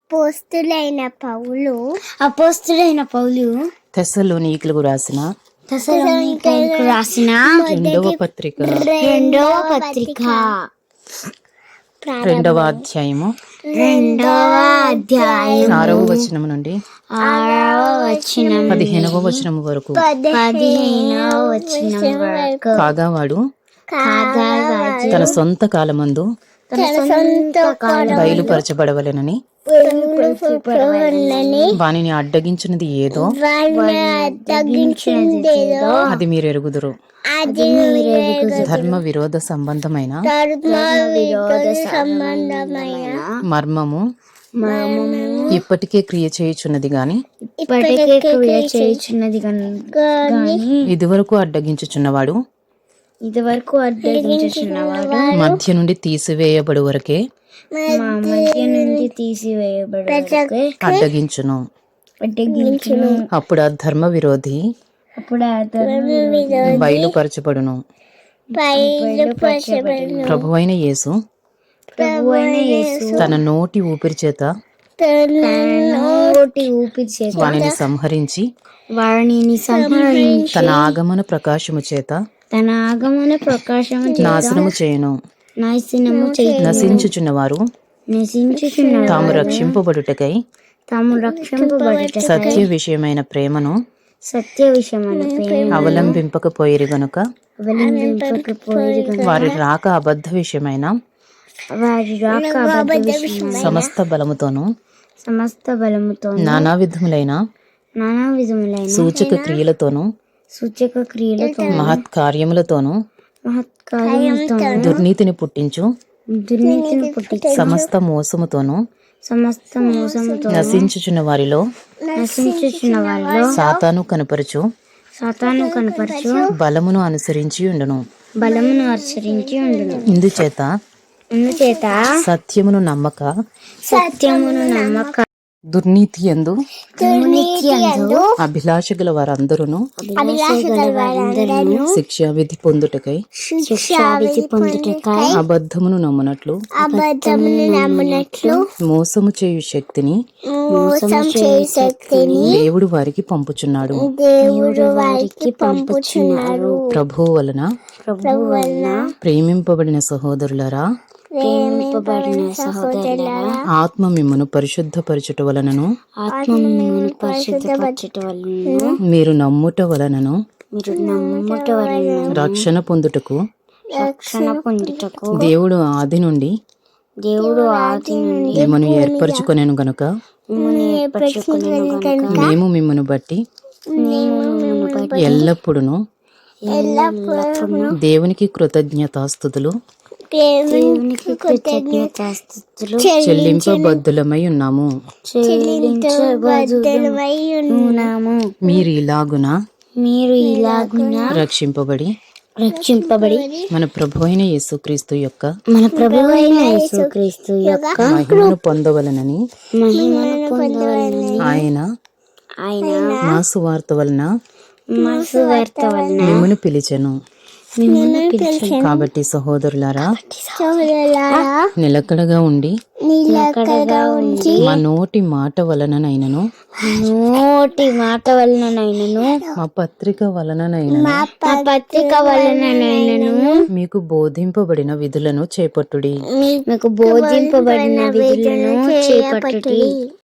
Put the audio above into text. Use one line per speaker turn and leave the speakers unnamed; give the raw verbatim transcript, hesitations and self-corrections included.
అపోస్తులైన పౌలు
అపోస్తులైన పౌలు
తెస్సలోనికీయులకు రాసిన
తెస్సలోనికీయులకు రాసిన
రెండవ పత్రిక
రెండవ పత్రిక
రెండవ అధ్యాయము
రెండవ అధ్యాయం
ఆరవ వచనం నుండి
ఆరవ వచనం
పదిహేనవ వచనం వరకు.
పదిహేనవ వచనం వరకు.
కాగా వాడు
కాగా వాడు
తన సొంత కాలమందు
తన సొంత కాలం
బయలుపరచబడవలెనని వానిని అడ్డగించినది ఏదో
తగ్గించిందేదో
అది మీరు ఎరుగుదురు.
అది మీరు ఎరుగుదురు.
ధర్మ విరోధ సంబంధమైన
ధర్మ విరోధ సంబంధమైన
మర్మము
మర్మము
ఇప్పటికే క్రియ చేయుచున్నది గాని
ఇప్పటికే క్రియ చేయుచున్నది గాని
ఇదివరకు అడ్డగించుచున్నవాడు
ఇదివరకు అడ్డగించుచున్నవాడు
మధ్య నుండి తీసివేయబడు వరకే
మా మధ్య నుండి తీసివేయబడే
అడ్డగించును.
అడ్డగించును.
అప్పుడు ఆ ధర్మ విరోధి
అప్పుడు ఆ ధర్మ విరోధి
బయలుపరచబడును.
బయలుపరచబడును.
ప్రభువైన యేసు
ప్రభువైన యేసు
తన నోటి ఊపిరి చేత
తన నోటి ఊపిరి చేత
వానిని సంహరించి
వారిని సంహరించి
తన ఆగమన ప్రకాశము చేత
తన ఆగమన ప్రకాశము
నాశనము చేయను.
నాశనము చేయను.
నశించుచున్న వారు
నశించుచున్న
తాము రక్షింపబడుటకై
తాము రక్షింపబడుటకై
సత్య విషయమైన ప్రేమను
సత్య విషయమైన ప్రేమ
అవలంబింపకపోయిరి గనుక
అవలంబింపకపోయిరి గనుక
వారి రాక అబద్ధ విషయమైన
వారి రాక అబద్ధ విషయమైన
సమస్త బలముతోను
సమస్త బలముతో
నానా విధములైన
నానా విధములైన
సూచక క్రియలతోను
సూచక క్రియలతో
మహత్ కార్యములతోను
మహత్కార్యముతో
దుర్నీతిని పుట్టించు
దుర్నీతిని పుట్టించు
సమస్త మోసముతోను
సమస్త మోసముతో
నశించుచున్న వారిలో
నశించుచున్న వారిలో
సాతాను కనపరచు
సాతాను కనపరచు
బలమును అనుసరించి ఉండును.
బలమును ఆచరించి ఉండును.
ఇందుచేత
అందుచేత
సత్యమును నమ్మక
సత్యమును నమ్మక
దుర్నీతి యందు
దుర్నీతియందు
అభిలాష గల వారందరూ
అభిలాషగల వారందరూ
శిక్షావిధి పొందుటకై
శిక్షావిధి పొందుటకై
అబద్ధమును నమ్మునట్లు
అబద్ధమును నమ్మునట్లు
మోసము చేయు శక్తిని
మోసం చేయు శక్తిని
దేవుడు వారికి పంపుచున్నాడు.
దేవుడు వారికి పంపుచున్నారు.
ప్రభువు వలన
ప్రభువు వలన
ప్రేమింపబడిన సహోదరులరా,
ప్రేమింపబడిన సహోదరులారా,
ఆత్మ మిమ్మును పరిశుద్ధపరచుట వలనను
ఆత్మ మిమ్మును పరిశుద్ధపరచుట వలన
మీరు నమ్ముట వలనను
మీరు నమ్ముట వలన
రక్షణ పొందుటకు
రక్షణ పొందుటకు
దేవుడు ఆది నుండి
దేవుడు ఆది నుండి
మిమ్మను ఏర్పరచుకొనెను గనుక
మిమ్మును ఏర్పరచుకొనెను గనుక
మేము మిమ్మను బట్టి
మేము మిమ్మును బట్టి
ఎల్లప్పుడును
ఎల్లప్పుడూ
దేవునికి కృతజ్ఞతాస్తుతులు
దేవునికి కృతజ్ఞతాస్తుతులు
చెల్లింపబద్ధులమై ఉన్నాము.
చెల్లించబద్ధులమై ఉన్నాము.
మీరు ఇలాగున
మీరు ఇలాగున
రక్షింపబడి
రక్షింపబడి
మన ప్రభు అయిన యేసుక్రీస్తు యొక్క
మన ప్రభువైన యేసుక్రీస్తు యొక్క
మహిమను పొందవలనని
మహిమను పొందవలనని
ఆయన
ఆయన
మా సువార్త వలన
మా సువార్త వలన
మిమ్మును పిలిచెను.
మిమ్మును పిలిచెను.
కాబట్టి సహోదరులారా,
సోదరులారా,
నిలకడగా ఉండి
నిలకడగా ఉండి
మా నోటి మాట వలననైనను
నోటి మాట వలననైనను
మా పత్రిక వలననైనను
మా పత్రిక వలననైనను
మీకు బోధింపబడిన విధులను చేపట్టుడి.
మీకు బోధింపబడిన విధులను చేపట్టుడి.